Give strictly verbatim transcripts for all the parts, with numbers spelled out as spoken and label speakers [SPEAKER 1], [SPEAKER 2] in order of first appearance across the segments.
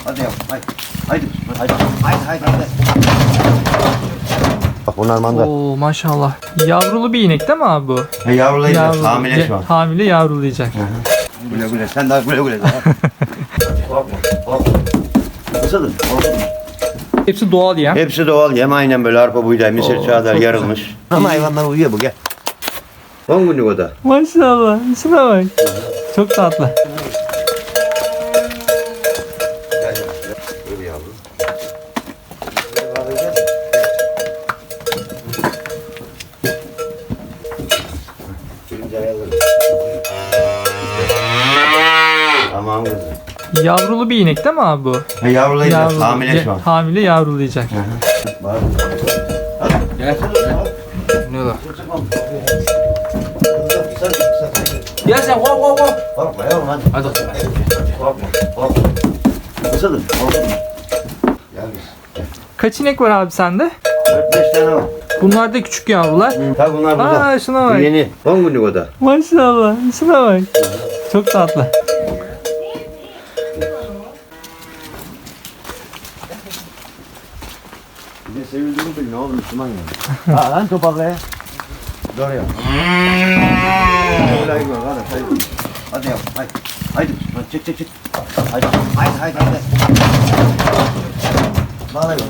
[SPEAKER 1] Hadi yavrum haydi. Haydi haydi haydi haydi haydi. Bak bunlar manda.
[SPEAKER 2] Oo maşallah. Yavrulu bir inek değil mi abi bu?
[SPEAKER 1] He yavrulayacak.
[SPEAKER 2] Yavrulu.
[SPEAKER 1] Hamile şu an.
[SPEAKER 2] Hamile yavrulayacak.
[SPEAKER 1] Güle güle. Sen daha güle güle. Korkma korkma. Isıdın.
[SPEAKER 2] Hepsi doğal yem.
[SPEAKER 1] Hepsi doğal yem. Aynen böyle arpa buğday, mısır, çağdar yarılmış. Ama hayvanlar uyuyor bu gel. on günlük o da.
[SPEAKER 2] Maşallah. Şuna bak. Çok tatlı.
[SPEAKER 1] Böyle yavrum. Tamam kızım.
[SPEAKER 2] Yavrulu bir inek değil mi abi bu?
[SPEAKER 1] He yavrulayacak.
[SPEAKER 2] Yavrulu.
[SPEAKER 1] Hamile şu an.
[SPEAKER 2] Hamile yavrulayacak.
[SPEAKER 1] Var.
[SPEAKER 3] Gel. Ne var? Gel sen kov kov kov.
[SPEAKER 1] Korkma yavrum hadi.
[SPEAKER 3] Hadi.
[SPEAKER 1] Korkma korkma. Isıdın. Korkma. Gel biz.
[SPEAKER 2] Kaç inek var abi sende?
[SPEAKER 1] dört beş tane var.
[SPEAKER 2] Bunlar da küçük yavrular.
[SPEAKER 1] Tabi bunlar burada.
[SPEAKER 2] Aa şuna
[SPEAKER 1] Bu
[SPEAKER 2] bak.
[SPEAKER 1] yeni. on günlük o da.
[SPEAKER 2] Maşallah. Şuna bak. Çok tatlı.
[SPEAKER 1] Bir de sevildiğini bil ne olur Müslüman yani. Ha lan topakla ya. Doğru ya. Hadi yavrum hadi. Haydi. Haydi. Çık çık çık. Haydi. Haydi haydi haydi. Bağla böyle.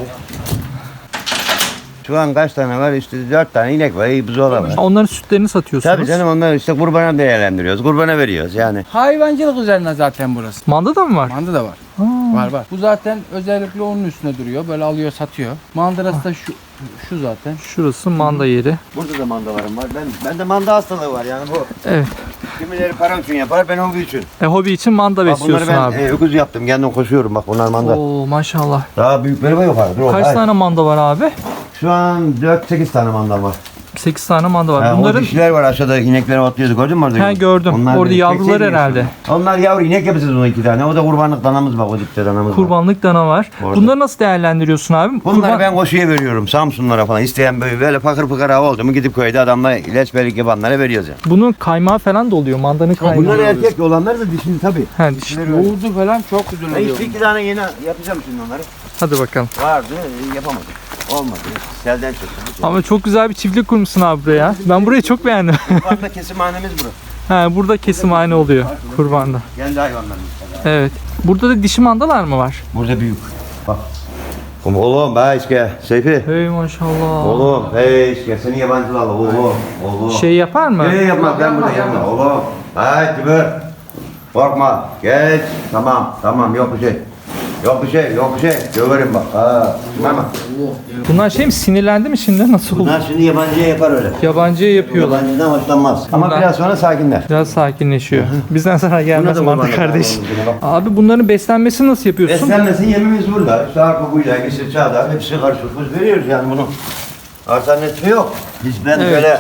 [SPEAKER 1] Şu an kaç tane var? İşte dört tane inek var. İyi buzola var.
[SPEAKER 2] Onların sütlerini satıyorsunuz.
[SPEAKER 1] Tabii canım onlar işte kurbana değerlendiriyoruz. Kurbana veriyoruz yani.
[SPEAKER 3] Hayvancılık üzerine zaten burası.
[SPEAKER 2] Manda da mı var?
[SPEAKER 3] Manda da var.
[SPEAKER 2] Ha.
[SPEAKER 3] Var var. Bu zaten özellikle onun üstüne duruyor. Böyle alıyor satıyor. Mandırası da şu şu zaten.
[SPEAKER 2] Şurası manda yeri.
[SPEAKER 1] Burada da mandalarım var. Ben ben de manda hastalığı var yani bu.
[SPEAKER 2] Evet.
[SPEAKER 1] Kimileri para için yapar, ben hobi için.
[SPEAKER 2] E, hobi için manda
[SPEAKER 1] Bak bunları
[SPEAKER 2] besliyorsun
[SPEAKER 1] ben
[SPEAKER 2] abi.
[SPEAKER 1] e, öküz yaptım. Kendim koşuyorum bak bunlar manda.
[SPEAKER 2] Oo maşallah.
[SPEAKER 1] Daha büyükleri var yukarı. Dur,
[SPEAKER 2] Kaç
[SPEAKER 1] hayır.
[SPEAKER 2] tane manda var abi?
[SPEAKER 1] Şu an dört sekiz tane manda var.
[SPEAKER 2] sekiz tane manda var.
[SPEAKER 1] Ha,
[SPEAKER 2] Bunların
[SPEAKER 1] O dişiler var aşağıda inekleri otluyorduk gördün mü orada?
[SPEAKER 2] He, gördüm. Orada
[SPEAKER 1] benim
[SPEAKER 2] yavrular
[SPEAKER 1] seksen
[SPEAKER 2] herhalde.
[SPEAKER 1] yaşında. Onlar yavru inek yapacağız onu iki tane. O da kurbanlık danamız bak o dipte danamız var.
[SPEAKER 2] kurbanlık dana var.
[SPEAKER 1] Orada.
[SPEAKER 2] Bunları nasıl değerlendiriyorsun abi?
[SPEAKER 1] Bunları
[SPEAKER 2] Kurban-
[SPEAKER 1] ben koşuya veriyorum Samsunlara falan. İsteyen böyle, böyle fakir fıkara hava oldu mu gidip köyde adamla ilaçbelik yapanlara veriyoruz yani.
[SPEAKER 2] Bunun kaymağı falan da oluyor. Mandanın kaymağı.
[SPEAKER 1] Bunlar erkek olanlar da dişini tabii.
[SPEAKER 2] He, diş-
[SPEAKER 1] Dişileri öyle.
[SPEAKER 3] Yoğurdu falan çok güzel
[SPEAKER 1] Ben
[SPEAKER 3] oluyor.
[SPEAKER 1] işte iki tane yeni yapacağım şimdi onları.
[SPEAKER 2] Hadi bakalım.
[SPEAKER 1] Vardı yapamadım. Olmadı. Selden çıktı.
[SPEAKER 2] Ama çok güzel bir çiftlik kurmuşsun abi buraya. Ben burayı çok beğendim.
[SPEAKER 1] Kurbanda kesimhanemiz burası.
[SPEAKER 2] He, burada kesimhane oluyor kurbanda.
[SPEAKER 1] Kendi hayvanlarımız.
[SPEAKER 2] Evet. Burada da dişi mandalar mı var?
[SPEAKER 1] Burada büyük. Bak. Oğlum be işte Seyfi.
[SPEAKER 2] Hey maşallah.
[SPEAKER 1] Oğlum hey işte seni yabancılarla oğlum. Oğlum.
[SPEAKER 2] Şey yapar mı?
[SPEAKER 1] Ne yapma ben burada yapma oğlum. Haydi kibir. Korkma. Geç. Tamam tamam yok bir şey. Yok bir şey yok bir şey. Döverim bak. Ha. Tamam.
[SPEAKER 2] Bunlar şey mi, sinirlendi mi şimdi? Nasıl oldu?
[SPEAKER 1] Bunlar şimdi yabancıya yapar öyle.
[SPEAKER 2] Yabancıya yapıyorlar.
[SPEAKER 1] Yabancıdan hoşlanmaz. Ama
[SPEAKER 2] Bunlar-
[SPEAKER 1] biraz sonra sakinler.
[SPEAKER 2] Biraz sakinleşiyor. Bizden sana gelmez
[SPEAKER 1] Buna da
[SPEAKER 2] mantı
[SPEAKER 1] kurban
[SPEAKER 2] kardeş.
[SPEAKER 1] olayım, bak.
[SPEAKER 2] Abi bunların beslenmesini nasıl yapıyorsun?
[SPEAKER 1] Beslenmesin yemimiz burada. İşte arpa, buğday, mısır, çağdar hepsi karışık. Biz veriyoruz yani bunu. Alternatifi yok. Biz ben
[SPEAKER 2] Evet.
[SPEAKER 1] böyle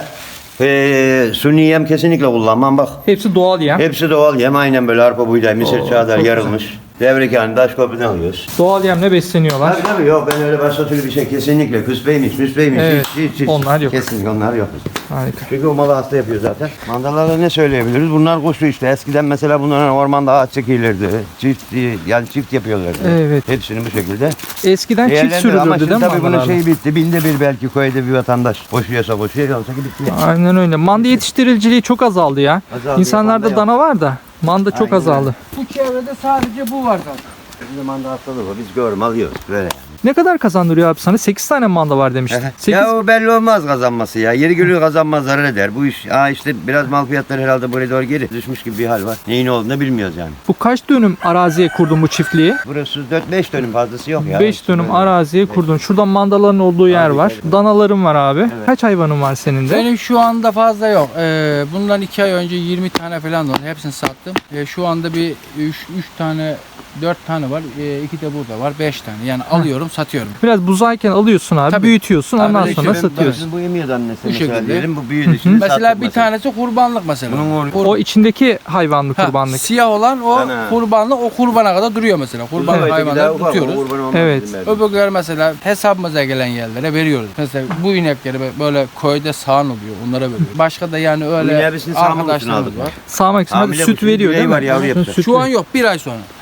[SPEAKER 1] eee suni yem kesinlikle kullanmam bak.
[SPEAKER 2] Hepsi doğal yem.
[SPEAKER 1] Hepsi doğal yem aynen böyle arpa, buğday, mısır,
[SPEAKER 2] Oo,
[SPEAKER 1] çağdar
[SPEAKER 2] çok
[SPEAKER 1] yarılmış. Devrik yani taş köprüden alıyoruz.
[SPEAKER 2] Doğal yemle besleniyorlar.
[SPEAKER 1] Tabii tabii yok ben öyle başka türlü bir şey kesinlikle küsbeymiş, müsbeymiş
[SPEAKER 2] Evet,
[SPEAKER 1] hiç, hiç, hiç.
[SPEAKER 2] onlar yok.
[SPEAKER 1] Kesinlikle onlar yok.
[SPEAKER 2] Harika.
[SPEAKER 1] Çünkü o malı hasta yapıyor zaten. Mandalarda ne söyleyebiliriz? Bunlar kuşu işte. Eskiden mesela bunların ormanda ağaç çekilirdi. Çift yani çift yapıyorlardı.
[SPEAKER 2] Evet.
[SPEAKER 1] Hepsini bu şekilde.
[SPEAKER 2] Eskiden çift
[SPEAKER 1] Değerlendir- Ama
[SPEAKER 2] sürülürdü
[SPEAKER 1] şimdi
[SPEAKER 2] değil mi
[SPEAKER 1] tabii bunun
[SPEAKER 2] mandalarla?
[SPEAKER 1] şeyi bitti. Binde bir belki köyde bir vatandaş koşuyorsa koşuyor. Yoksa ki bitti.
[SPEAKER 2] Aynen öyle. Manda yetiştiriciliği çok azaldı ya.
[SPEAKER 1] Azaldı,
[SPEAKER 2] İnsanlarda
[SPEAKER 1] manda
[SPEAKER 2] dana var da manda çok
[SPEAKER 1] Aynen
[SPEAKER 2] azaldı.
[SPEAKER 3] Bu çevrede sadece bu var zaten.
[SPEAKER 1] Bizim manda hastalığı var. Biz görüm alıyoruz böyle.
[SPEAKER 2] Ne kadar kazandırıyor abi sana? sekiz tane manda var demiştin. sekiz
[SPEAKER 1] Ya o belli olmaz kazanması ya. Yeri geliyor kazanmaz zarar eder. Bu iş aa işte biraz mal fiyatları herhalde buraya doğru geri düşmüş gibi bir hal var. Neyin olduğunu bilmiyoruz yani.
[SPEAKER 2] Bu kaç dönüm araziye kurdun bu çiftliği?
[SPEAKER 1] Burası dört beş dönüm fazlası yok ya.
[SPEAKER 2] beş dönüm
[SPEAKER 1] Böyle.
[SPEAKER 2] araziye kurdun. Şurada mandaların olduğu yer
[SPEAKER 1] Tabii,
[SPEAKER 2] var.
[SPEAKER 1] tabii.
[SPEAKER 2] Danaların var abi. Kaç hayvanın var senin de?
[SPEAKER 3] Benim şu anda fazla yok. Ee, bundan iki ay önce yirmi tane falan oldu. Hepsini sattım. Ee, şu anda bir üç tane dört tane var. Ee, iki de burada var. beş tane. Yani alıyorum satıyorum.
[SPEAKER 2] Biraz buzayken alıyorsun abi,
[SPEAKER 3] Tabii.
[SPEAKER 2] büyütüyorsun,
[SPEAKER 3] Tabii,
[SPEAKER 2] ondan
[SPEAKER 3] işte
[SPEAKER 2] sonra
[SPEAKER 3] ben-
[SPEAKER 2] satıyorsun.
[SPEAKER 1] Bizim bu yemiyordu annesi
[SPEAKER 3] Bu
[SPEAKER 1] mesela
[SPEAKER 3] şekilde.
[SPEAKER 1] diyelim. Bu büyüdü şimdi
[SPEAKER 3] Mesela
[SPEAKER 1] sattık
[SPEAKER 3] bir tanesi kurbanlık mesela.
[SPEAKER 1] Bunun
[SPEAKER 3] Kur-
[SPEAKER 2] O içindeki hayvanlı
[SPEAKER 3] Ha,
[SPEAKER 2] kurbanlık.
[SPEAKER 3] Siyah olan o
[SPEAKER 1] Ana.
[SPEAKER 3] kurbanlık, o kurbana kadar duruyor mesela. Kurban
[SPEAKER 1] Evet,
[SPEAKER 3] hayvanları
[SPEAKER 1] bir daha ufak, o
[SPEAKER 3] tutuyoruz.
[SPEAKER 1] kurban olmaz
[SPEAKER 2] Evet.
[SPEAKER 1] bizim evde.
[SPEAKER 3] Öbürleri mesela hesabımıza gelen yerlere veriyoruz. Mesela bu inekleri böyle köyde sağan oluyor. Onlara veriyoruz. Başka da yani
[SPEAKER 1] Bu
[SPEAKER 3] öyle
[SPEAKER 1] ineği biz sağmak için
[SPEAKER 3] arkadaşlarımız
[SPEAKER 1] aldık.
[SPEAKER 3] var.
[SPEAKER 2] Sağmak için hadi
[SPEAKER 1] Hamile
[SPEAKER 2] süt
[SPEAKER 1] kuşun
[SPEAKER 2] veriyor
[SPEAKER 1] bileği
[SPEAKER 2] değil mi?
[SPEAKER 1] var, yavru yapacak.
[SPEAKER 2] Süt
[SPEAKER 3] Şu an yok. Bir ay sonra.
[SPEAKER 2] Ha, bir ay
[SPEAKER 1] Bir ay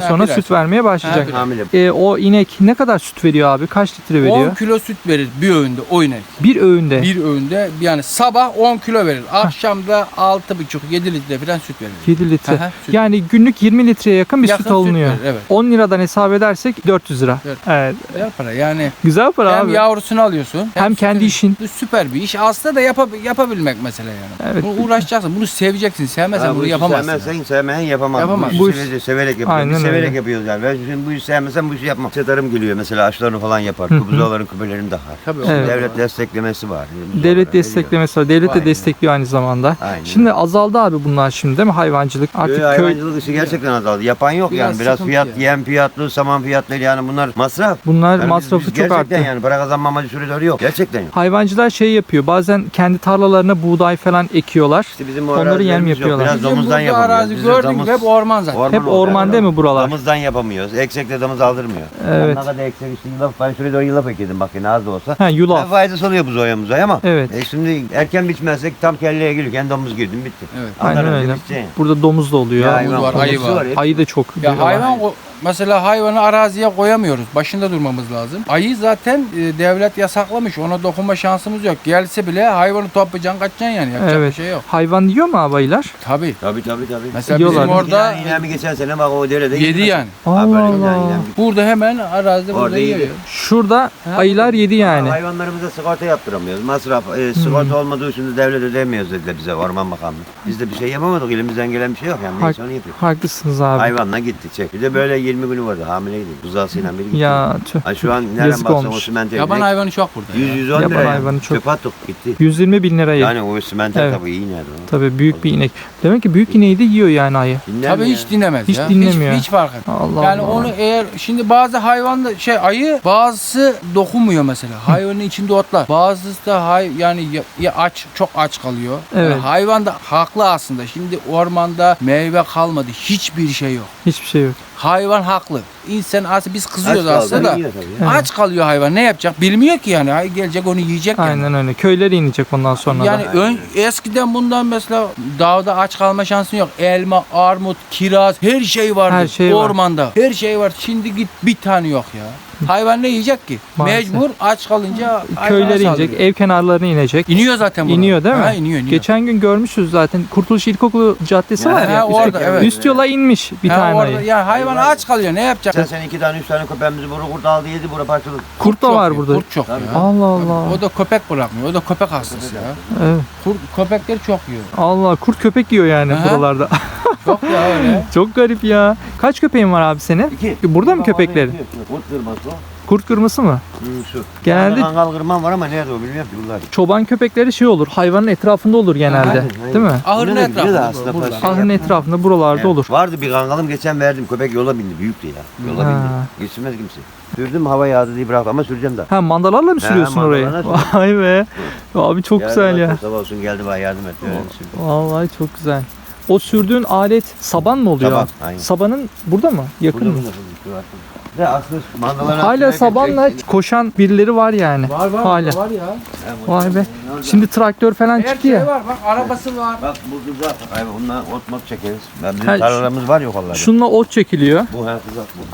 [SPEAKER 3] Ha,
[SPEAKER 2] sonra
[SPEAKER 3] bir ay
[SPEAKER 2] süt
[SPEAKER 3] sonra.
[SPEAKER 2] vermeye başlayacak.
[SPEAKER 3] bir ay.
[SPEAKER 1] Hamile.
[SPEAKER 2] E, o inek ne kadar süt veriyor abi? Kaç litre veriyor?
[SPEAKER 3] on kilo süt verir bir öğünde o inek.
[SPEAKER 2] Bir öğünde.
[SPEAKER 3] Bir öğünde yani sabah on kilo verir. Akşamda altı buçuk yedi litre falan süt verir.
[SPEAKER 2] yedi litre.
[SPEAKER 3] Aha, süt.
[SPEAKER 2] Yani günlük yirmi litreye yakın bir
[SPEAKER 3] Yakın
[SPEAKER 2] süt alınıyor.
[SPEAKER 3] verir, evet.
[SPEAKER 2] on liradan hesap edersek dört yüz lira.
[SPEAKER 3] Evet.
[SPEAKER 2] Evet.
[SPEAKER 3] Güzel para yani.
[SPEAKER 2] Güzel para
[SPEAKER 3] Hem
[SPEAKER 2] abi.
[SPEAKER 3] yavrusunu alıyorsun.
[SPEAKER 2] Hem kendi
[SPEAKER 3] sütünü-
[SPEAKER 2] işin.
[SPEAKER 3] Bu süper bir iş. Aslında da yapa- yapabilmek mesele yani.
[SPEAKER 2] Evet.
[SPEAKER 3] Bunu uğraşacaksın. Bunu seveceksin. Sevmezsen
[SPEAKER 1] Ha, bu
[SPEAKER 3] bunu
[SPEAKER 1] işi
[SPEAKER 3] yapamazsın.
[SPEAKER 1] Sevmezsen sevmeyen yapamaz.
[SPEAKER 3] Yapamaz.
[SPEAKER 1] Bu
[SPEAKER 2] Bu
[SPEAKER 1] işi
[SPEAKER 2] iş-
[SPEAKER 1] sevece- severek yapıyoruz.
[SPEAKER 2] Aynen
[SPEAKER 1] Biz severek
[SPEAKER 2] öyle.
[SPEAKER 1] yapıyoruz yani. Ben şimdi bu işi sevmesem bu işi yapmam. Setarım geliyor mesela aşılarını falan yapar. Kubuzaların küpelerini takar.
[SPEAKER 3] Tabii,
[SPEAKER 1] Şimdi
[SPEAKER 2] evet.
[SPEAKER 1] devlet desteklemesi var.
[SPEAKER 2] Devlet desteklemesi var. Devlet de
[SPEAKER 3] Aynen.
[SPEAKER 2] destekliyor aynı zamanda.
[SPEAKER 1] Aynen.
[SPEAKER 2] Şimdi azaldı abi bunlar şimdi değil mi? Hayvancılık. Artık
[SPEAKER 1] Artık
[SPEAKER 2] köy
[SPEAKER 1] hayvancılık işi gerçekten azaldı. Yapan yok
[SPEAKER 3] Biraz
[SPEAKER 1] yani. Biraz
[SPEAKER 3] sıkıntı
[SPEAKER 1] fiyat,
[SPEAKER 3] yani.
[SPEAKER 1] yem fiyatlı, saman fiyatları yani bunlar masraf.
[SPEAKER 2] bunlar
[SPEAKER 1] Yani biz-
[SPEAKER 2] masrafı
[SPEAKER 1] biz
[SPEAKER 2] çok arttı.
[SPEAKER 1] Gerçekten yani para kazanma amacı süreleri yok. Gerçekten yok.
[SPEAKER 2] Hayvancılar şey yapıyor. Bazen kendi tarlalarına buğday falan ekiyorlar.
[SPEAKER 1] İşte bizim o
[SPEAKER 2] Onları yem
[SPEAKER 1] arazilerimiz yok.
[SPEAKER 2] yapıyorlar.
[SPEAKER 1] Biraz
[SPEAKER 3] Bizim
[SPEAKER 1] domuzdan
[SPEAKER 3] burada
[SPEAKER 1] yapamıyoruz.
[SPEAKER 3] arazi
[SPEAKER 1] Bizim
[SPEAKER 3] gördün
[SPEAKER 1] domuz-
[SPEAKER 3] hep orman zaten.
[SPEAKER 1] Orman
[SPEAKER 2] Hep
[SPEAKER 1] oldu
[SPEAKER 2] orman
[SPEAKER 1] yani.
[SPEAKER 2] değil mi buralar?
[SPEAKER 1] Damızdan yapamıyoruz. Eksek de damız aldırmıyor.
[SPEAKER 2] Evet.
[SPEAKER 1] Ne kadar eksek işte yulaf. Ben şuraya doğru yulaf ekledim bak yine az da olsa.
[SPEAKER 2] Ha
[SPEAKER 1] Ne
[SPEAKER 2] yulaf.
[SPEAKER 1] faydası oluyor bu zoya muzaya ama.
[SPEAKER 2] Evet.
[SPEAKER 1] E şimdi erken biçmezsek tam kelleye gelirken domuz girdim bitti.
[SPEAKER 3] Evet.
[SPEAKER 2] Aynen
[SPEAKER 1] Ondan önce
[SPEAKER 2] öyle.
[SPEAKER 1] bitecek.
[SPEAKER 2] Burada domuz da oluyor.
[SPEAKER 1] Ya
[SPEAKER 3] hayvan
[SPEAKER 1] hayvan
[SPEAKER 3] var, ayı
[SPEAKER 1] kokusu
[SPEAKER 3] var.
[SPEAKER 1] hep.
[SPEAKER 2] Ayı da çok.
[SPEAKER 3] Ya hayvan o- mesela hayvanı araziye koyamıyoruz. Başında durmamız lazım. Ayı zaten e, devlet yasaklamış. Ona dokunma şansımız yok. Gelse bile hayvanı toplayacaksın kaçacaksın yani. Yapacak
[SPEAKER 2] Evet.
[SPEAKER 3] bir şey yok.
[SPEAKER 2] Hayvan yiyor mu abi ayılar?
[SPEAKER 3] Tabii.
[SPEAKER 1] Tabii tabii tabii.
[SPEAKER 3] Mesela
[SPEAKER 2] Yiyorlar.
[SPEAKER 3] bizim orada
[SPEAKER 1] Yani yine bir geçen sene bak o derede.
[SPEAKER 3] yedi yani.
[SPEAKER 2] Allah
[SPEAKER 1] Ha, böyle yani
[SPEAKER 2] Allah.
[SPEAKER 1] yine bir-
[SPEAKER 3] Burada hemen arazide
[SPEAKER 1] Orada
[SPEAKER 3] burada
[SPEAKER 1] yedi.
[SPEAKER 3] yiyor.
[SPEAKER 2] Şurada ayılar yedi yani.
[SPEAKER 1] Hayvanlarımıza sigorta yaptıramıyoruz. Masraf, e, sigorta olmadığı için de devlet ödemiyoruz dediler bize Orman Bakanlığı. Biz de bir şey yapamadık. Elimizden gelen bir şey yok yani.
[SPEAKER 2] Hak-
[SPEAKER 1] Neyse onu yapıyoruz.
[SPEAKER 2] Haklısınız abi.
[SPEAKER 1] Hayvanla gitti çek. Bir de böyle yirmi günü vardı hamileydi. Buzağısıyla biri gitti.
[SPEAKER 2] Ya tüh.
[SPEAKER 1] Ha, şu an nereden
[SPEAKER 2] Yazık
[SPEAKER 1] baksan o
[SPEAKER 2] olmuş.
[SPEAKER 1] simente
[SPEAKER 3] Yaban
[SPEAKER 1] ekmek
[SPEAKER 3] hayvanı çok burada.
[SPEAKER 1] yüz
[SPEAKER 3] ya.
[SPEAKER 1] yüz on
[SPEAKER 2] Yaban
[SPEAKER 1] lira yani.
[SPEAKER 2] hayvanı çok.
[SPEAKER 1] Çöpe attık gitti.
[SPEAKER 2] yüz yirmi bin liraya.
[SPEAKER 1] Yani o simente
[SPEAKER 2] Evet.
[SPEAKER 1] tabii iyi nerede o.
[SPEAKER 2] Tabii büyük bir inek. Demek ki büyük ineği de yiyor yani ayı.
[SPEAKER 1] Dinler
[SPEAKER 3] Tabii
[SPEAKER 1] mi
[SPEAKER 3] hiç
[SPEAKER 1] ya?
[SPEAKER 3] dinlemez
[SPEAKER 2] Hiç
[SPEAKER 3] ya.
[SPEAKER 2] dinlemiyor.
[SPEAKER 3] Hiç, hiç fark etmez.
[SPEAKER 2] Allah
[SPEAKER 3] Yani
[SPEAKER 2] Allah.
[SPEAKER 3] onu eğer şimdi bazı hayvan şey ayı bazısı dokunmuyor mesela. Hayvanın içinde otlar. Bazısı da hay yani ya, ya aç çok aç kalıyor.
[SPEAKER 2] Evet.
[SPEAKER 3] Yani hayvan da haklı aslında. Şimdi ormanda meyve kalmadı. Hiçbir şey yok.
[SPEAKER 2] Hiçbir şey yok.
[SPEAKER 3] Hayvan haklı. İnsan aslında biz
[SPEAKER 1] Aç
[SPEAKER 3] kızıyoruz
[SPEAKER 1] kaldı,
[SPEAKER 3] aslında da.
[SPEAKER 1] yiyor tabii ya.
[SPEAKER 2] Evet.
[SPEAKER 3] Aç kalıyor hayvan. Ne yapacak? Bilmiyor ki yani. Ay gelecek onu yiyecek yani.
[SPEAKER 2] Aynen öyle. Köylere inecek ondan sonra
[SPEAKER 3] Yani
[SPEAKER 2] da.
[SPEAKER 3] ön, eskiden bundan mesela dağda aç kalma şansın yok. Elma, armut, kiraz her şey vardı.
[SPEAKER 2] Her şey var.
[SPEAKER 3] Ormanda. Her şey var. Şimdi git bir tane yok ya. Hayvan ne yiyecek ki?
[SPEAKER 2] Maalesef.
[SPEAKER 3] Mecbur aç kalınca hayvana
[SPEAKER 2] Köylere inecek,
[SPEAKER 3] saldırıyor.
[SPEAKER 2] ev kenarlarına inecek.
[SPEAKER 3] İniyor zaten bunlar.
[SPEAKER 2] İniyor değil mi?
[SPEAKER 3] Ha, iniyor, iniyor.
[SPEAKER 2] Geçen gün görmüşüz zaten. Kurtuluş İlkokulu Caddesi
[SPEAKER 1] Ha,
[SPEAKER 2] var ya.
[SPEAKER 3] ha,
[SPEAKER 2] üst-
[SPEAKER 3] orada, evet.
[SPEAKER 2] Üst yola inmiş bir
[SPEAKER 3] Ha,
[SPEAKER 2] tane
[SPEAKER 3] orada,
[SPEAKER 2] ayı.
[SPEAKER 3] yani hayvan aç kalıyor. Ne yapacak?
[SPEAKER 1] Sen sen iki tane üç tane köpeğimizi bura kurt aldı yedi bura parçaladı.
[SPEAKER 2] Kurt da
[SPEAKER 3] çok
[SPEAKER 2] var
[SPEAKER 3] yok,
[SPEAKER 2] burada.
[SPEAKER 3] Kurt çok
[SPEAKER 1] Tabii.
[SPEAKER 3] ya.
[SPEAKER 2] Allah Allah.
[SPEAKER 3] O da köpek bırakmıyor. O da köpek hastası ya.
[SPEAKER 2] Evet.
[SPEAKER 3] Kurt, köpekler çok yiyor.
[SPEAKER 2] Allah kurt köpek yiyor yani
[SPEAKER 3] Aha.
[SPEAKER 2] buralarda.
[SPEAKER 3] Çok ya öyle.
[SPEAKER 2] Çok garip ya. Kaç köpeğin var abi senin?
[SPEAKER 1] İki.
[SPEAKER 2] Burada mı
[SPEAKER 1] Bak,
[SPEAKER 2] köpekleri?
[SPEAKER 1] orada yatıyor. Kurt kırması o.
[SPEAKER 2] Kurt kırması mı?
[SPEAKER 1] Hı, şu.
[SPEAKER 2] Genelde-
[SPEAKER 1] Orada kangal kırmam var ama nerede o bilmiyorum ki bunlar.
[SPEAKER 2] Çoban köpekleri şey olur. Hayvanın etrafında olur genelde.
[SPEAKER 1] Aynen, aynen.
[SPEAKER 2] Değil mi?
[SPEAKER 3] Ahırın
[SPEAKER 1] Burada da gidiyor da
[SPEAKER 3] etrafında.
[SPEAKER 1] aslında
[SPEAKER 3] burada.
[SPEAKER 1] parça.
[SPEAKER 2] Ahırın etrafında buralarda
[SPEAKER 1] Evet.
[SPEAKER 2] olur.
[SPEAKER 1] Vardı bir kangalım geçen verdim. Köpek yola bindi. Büyüktü ya. Yola
[SPEAKER 2] Ha.
[SPEAKER 1] bindi. Geçirmez kimse. Sürdüm hava yağdı diye bıraktım ama süreceğim daha.
[SPEAKER 2] Ha mandalarla mı
[SPEAKER 1] He,
[SPEAKER 2] sürüyorsun orayı?
[SPEAKER 1] mandalarla
[SPEAKER 2] Vay be. Abi çok
[SPEAKER 1] Yardım
[SPEAKER 2] güzel ya.
[SPEAKER 1] etti, Sabah olsun geldi bana yardım etti. Öyle sürdüm.
[SPEAKER 2] Vallahi çok güzel. O sürdüğün alet saban mı oluyor?
[SPEAKER 1] Saban, aynen.
[SPEAKER 2] Sabanın burada mı? Yakın
[SPEAKER 1] Burada
[SPEAKER 2] mı?
[SPEAKER 1] burada burada. Ve aslında mandaların
[SPEAKER 2] Hala
[SPEAKER 1] altına
[SPEAKER 2] sabanla
[SPEAKER 1] geçecek-
[SPEAKER 2] koşan birileri var yani.
[SPEAKER 3] Var var
[SPEAKER 2] Hala.
[SPEAKER 3] var ya.
[SPEAKER 2] Vay be. Şimdi traktör falan
[SPEAKER 3] Her
[SPEAKER 2] çıktı
[SPEAKER 3] şey
[SPEAKER 2] ya.
[SPEAKER 3] var. Bak arabası var.
[SPEAKER 1] Bak bu kızak. Ay bundan ot mot çekeriz. Ben bizim
[SPEAKER 2] Ha,
[SPEAKER 1] tarlalarımız var yok onlarda.
[SPEAKER 2] Şununla ot çekiliyor.
[SPEAKER 1] Bu her kızak bu.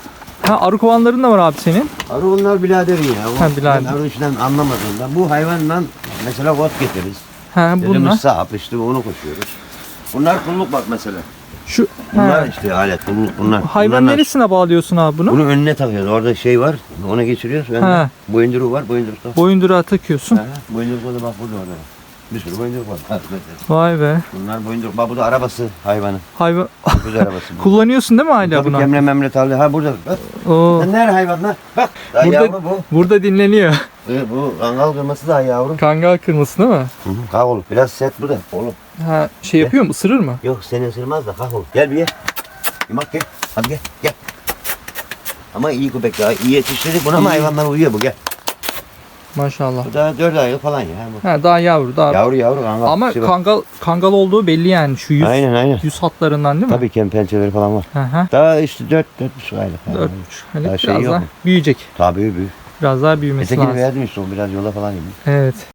[SPEAKER 2] Ha arı kovanların da var abi senin.
[SPEAKER 1] Arı onlar biraderin ya. O,
[SPEAKER 2] Ha, birader.
[SPEAKER 1] Ben arı işinden anlamadığımdan bu hayvanla mesela ot getiririz.
[SPEAKER 2] Ha
[SPEAKER 1] Elimiz
[SPEAKER 2] bunlar.
[SPEAKER 1] sap işte onu koşuyoruz. Bunlar kulluk bak mesela.
[SPEAKER 2] Şu
[SPEAKER 1] Bunlar
[SPEAKER 2] ha.
[SPEAKER 1] işte alet kulluk bunlar.
[SPEAKER 2] Hayvan
[SPEAKER 1] Bunlar-
[SPEAKER 2] neresine bağlıyorsun abi bunu?
[SPEAKER 1] Bunu önüne takıyoruz. Orada şey var. Ona geçiriyoruz. Önüne.
[SPEAKER 2] Ha.
[SPEAKER 1] Boyunduruğu var. Boyundurukta.
[SPEAKER 2] Boyunduruğa takıyorsun.
[SPEAKER 1] Ha, boyunduruk da bak burada orada. Bir sürü boyunduruk var. Ha, mesela.
[SPEAKER 2] Vay be.
[SPEAKER 1] Bunlar boyunduruk. Bak bu da arabası hayvanın.
[SPEAKER 2] Hayvan
[SPEAKER 1] Kız arabası. bu.
[SPEAKER 2] kullanıyorsun değil mi hala
[SPEAKER 1] Tabii
[SPEAKER 2] bunu?
[SPEAKER 1] kemre memre tarla. Ha burada. Bak.
[SPEAKER 2] Oo.
[SPEAKER 1] Lan nerede hayvanlar? Bak. Daha
[SPEAKER 2] Burada-
[SPEAKER 1] yavru bu.
[SPEAKER 2] Burada dinleniyor.
[SPEAKER 1] Ee, bu kangal kırması daha yavru.
[SPEAKER 2] Kangal kırması değil mi?
[SPEAKER 1] Hı hı. Kalk oğlum. Biraz sert bu da. Oğlum.
[SPEAKER 2] Ha şey yapıyor mu? Isırır mı?
[SPEAKER 1] Yok seni ısırmaz da kalk oğlum. Gel bir ye. Yumak gel. Hadi gel. Gel. Ama iyi köpek ya. İyi yetiştirdik buna ama hayvanlar uyuyor bu gel.
[SPEAKER 2] Maşallah.
[SPEAKER 1] Bu da dört aylık falan ya. Bu.
[SPEAKER 2] Ha daha yavru daha.
[SPEAKER 1] Yavru yavru kangal.
[SPEAKER 2] Ama
[SPEAKER 1] Şey bak.
[SPEAKER 2] kangal kangal olduğu belli yani şu yüz
[SPEAKER 1] Aynen aynen.
[SPEAKER 2] yüz hatlarından değil mi?
[SPEAKER 1] Tabii ki pençeleri falan var.
[SPEAKER 2] Hı hı.
[SPEAKER 1] Daha işte dört, dört buçuk aylık. yani.
[SPEAKER 2] Dört buçuk. Hani
[SPEAKER 1] Daha
[SPEAKER 2] biraz
[SPEAKER 1] şey yok
[SPEAKER 2] daha
[SPEAKER 1] mu?
[SPEAKER 2] büyüyecek.
[SPEAKER 1] Tabii büyük.
[SPEAKER 2] Biraz daha büyümesi
[SPEAKER 1] Ötekini
[SPEAKER 2] lazım.
[SPEAKER 1] verdim işte o biraz yola falan gidiyor.
[SPEAKER 2] Evet.